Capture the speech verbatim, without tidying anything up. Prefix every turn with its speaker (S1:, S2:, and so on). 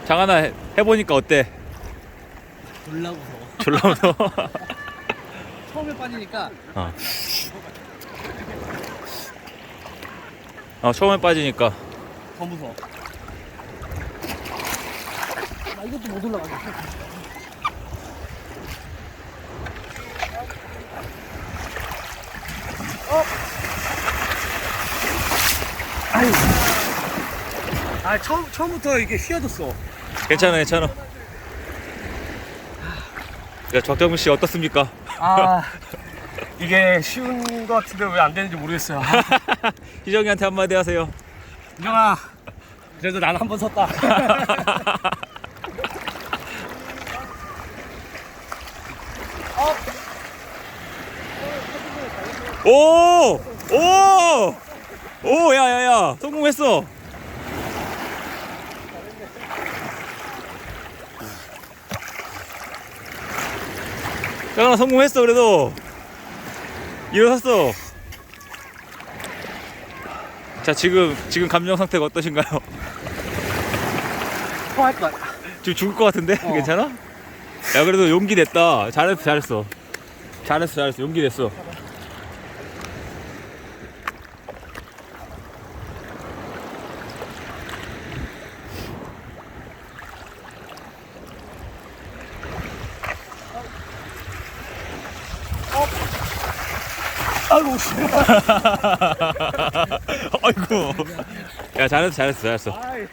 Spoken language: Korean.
S1: 장하나 해- 해보니까 어때?
S2: 졸라 무서워.
S1: 졸라 무서워.
S2: 처음에 빠지니까
S1: 어. 어, 처음에 빠지니까.
S2: 더 무서워. 나 이것도 못 올라가겠어. 어? 아유. 아, 처음, 처음부터 이게 휘어졌어.
S1: 괜찮아, 괜찮아. 야, 곽정민 씨 어떻습니까?
S2: 아, 이게 쉬운 것 같은데 왜 안 되는지 모르겠어요.
S1: 희정이한테 한마디 하세요.
S2: 유정아, 그래도 난 한 번 섰다.
S1: 오! 오! 오! 야, 야, 야! 성공했어! 장하나 성공했어, 그래도! 일어섰어! 자, 지금, 지금 감정 상태가 어떠신가요?
S2: 토할 것 같아.
S1: 지금 죽을 것 같은데?
S2: 어.
S1: 괜찮아? 야, 그래도 용기 냈다. 잘했어, 잘했어. 잘했어, 잘했어. 용기 냈어.
S2: 아이고, 씨.
S1: 아이고. 야, 잘했어, 잘했어, 잘했어.
S2: 아이.